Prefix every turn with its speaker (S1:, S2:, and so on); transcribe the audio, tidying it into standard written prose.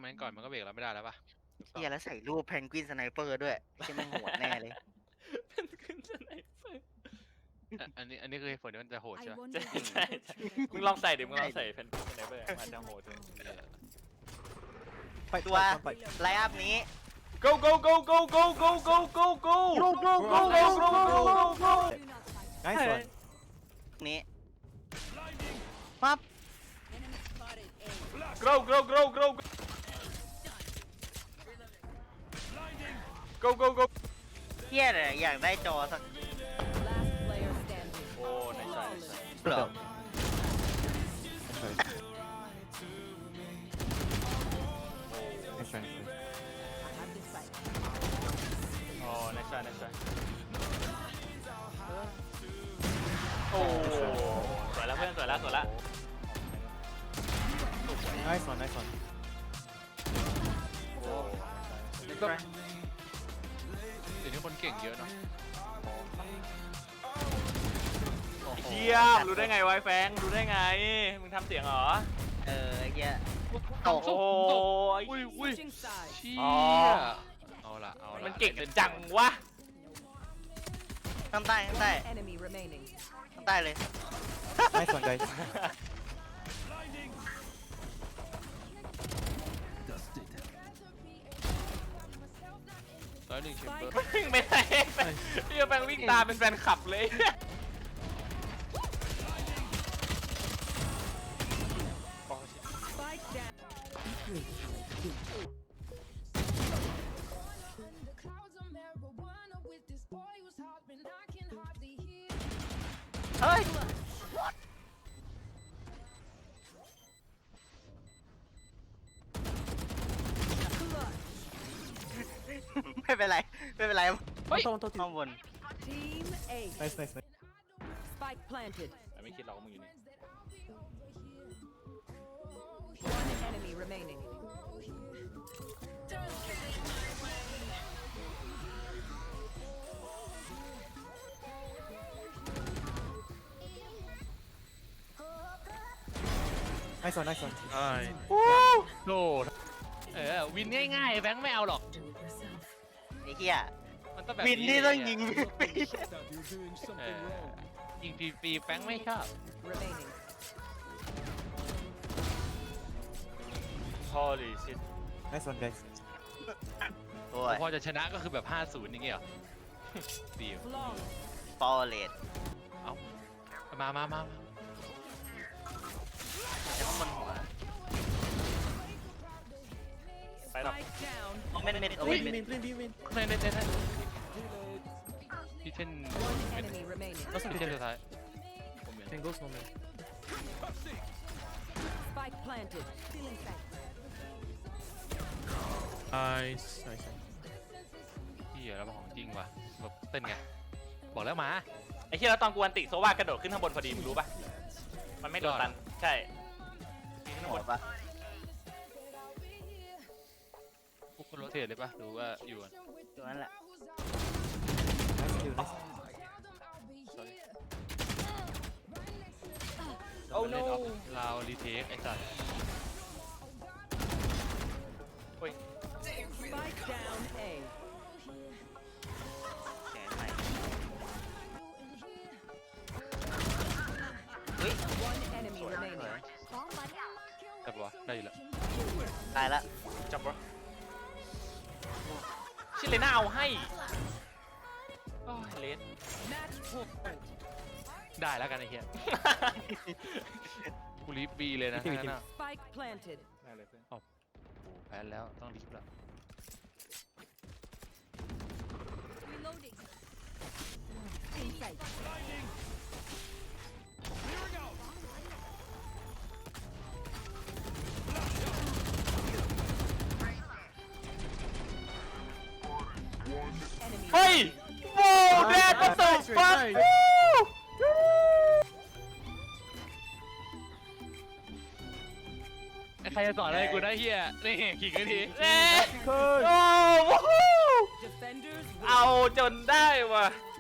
S1: นั้นก่อนมันก็เบรกเราไม่ได้แล้วป่ะ
S2: เฮียแล้วใส่รูปเพนกวินสไนเปอร์ด้วยที่แม่งโหดแน่เลย
S3: เป็นขึ้นสไนเปอร์
S1: อันนี้คือเหตุผลที่มันจะโหดใช่ไหม
S3: ใช่มึงลองใส่ดิมึงลองใส่เป็นสไนเปอร์มาจะโหดเลย
S4: ไป
S2: ตัว
S4: ไป
S2: ไลน์อัพนี้
S3: go go go go go go go go go
S4: go go go
S3: go go go go
S4: nice one
S2: นี้ปั๊บ
S3: grow grow grow grow go go go
S2: เฮียเลยอยากได้จอสัก
S3: โอ้ในใจ
S2: เหรอ
S4: nice one
S3: โอ้ในใจในใจโอ้สวยแล้วเพื่อนสวยแล้วสวยแล้ว
S4: nice one nice one
S3: โอ้
S1: เดี๋ยวนี้คนเก่งเยอะเนาะ
S3: เชี่ยรู้ได้ไงไวแฟงรู้ได้ไงมึงทำเสียงเหรอ
S2: ไอ้เฮีย
S1: ตก
S3: โอ้
S1: ตก
S3: ย
S1: อุ้ยเชี่ย
S3: อ๋อ
S1: เอาละเอาละ
S3: มันเก่งจังวะ
S2: ข้างใต้ข้างใต้
S5: Enemy remaining.
S2: ข้างใต้เลย
S4: nice one guys
S1: 101เชมเบอร์
S3: วิ่งไปไหนพี่แฟงวิ่งตามเป็นแฟนคลับเลย
S5: Spike down.
S2: เฮ้ย ไม่เป็นไรไม่เป็นไร
S1: เฮ้ย
S4: on top
S2: ข้างบน
S5: Team A.
S4: nice nice nice
S5: Spike planted.
S3: แต่ไม่คิดเราก็มึงอยู่นี่
S5: One enemy remaining.
S4: nice one nice one
S1: ใช่โดดวินง่ายๆแบงค์ไม่เอาหรอก
S2: ไอ้เฮีย
S1: มันต้องแบบ
S2: วินนี่ต้องยิง
S1: ยิงฟรีๆแบงค์ไม่ชอบ
S5: Remaining.
S3: Holy shit
S4: nice one guys
S2: โอ้ย
S1: พอจะชนะก็คือแบบ 50อย่างเงี้ยเหรอ ดี
S5: Long.
S2: ฟอร์เรส
S1: เอามา
S2: จะข้างบนหัว
S3: ไปหรอก
S5: Spike down.
S2: เม็ดโอ้ย
S4: win win win win
S1: ในที่เช่น
S5: One enemy remaining.
S1: ที่เช่นสุดท้าย
S4: can go snowman
S5: Spike planted. Feeling sight.
S4: nice nice
S1: พี่เหรอแล้วของจริงว่ะแบบเต้นไงบอกแล้วมา
S3: ไอ้เชี่ยแล้วตอนกูอันติโซว่ากระโดดขึ้นข้างบนพอดีมึงรู้ปะมันไม่โดนตันใช่ขึ้นข้าง
S2: หั
S3: บ
S2: วน ปะ
S1: พวกคนโรเทตเลยปะหรือว่าอยู่กัน
S2: ตัวนั้นแหละ
S4: nice kill nice
S3: โอ้ no
S1: ลาวรีเทคไอ้สัส
S3: โอ้ย
S5: Spike down A.
S2: แขนใหม่เฮ้ย
S5: One enemy remaining.
S1: แต่ปะวะได้อยู่แล้ว
S2: ตายละ
S3: จับวะชิเลน่าเอาให้โอ้ยเลส
S5: Match point.
S1: ได้แล้วกันไอ้เหี้ยกูรีบบีเลยนะ
S4: จริงๆ
S1: นั่นน่ะ
S5: Spike planted.
S3: ได้เลยเพื่อน
S1: โอ้โหแพ้แล้วต้องรีบแล้ว
S5: Reloading. Insight. Enemy
S3: เฮ้ยโว้แดดก็ตกฟัก
S1: ใครจะสอนอะไรกูได้เหี้ยนี่ขิงกันที
S3: โอ้โห
S5: Defenders
S3: เอาจนได้ว่ะ
S5: win.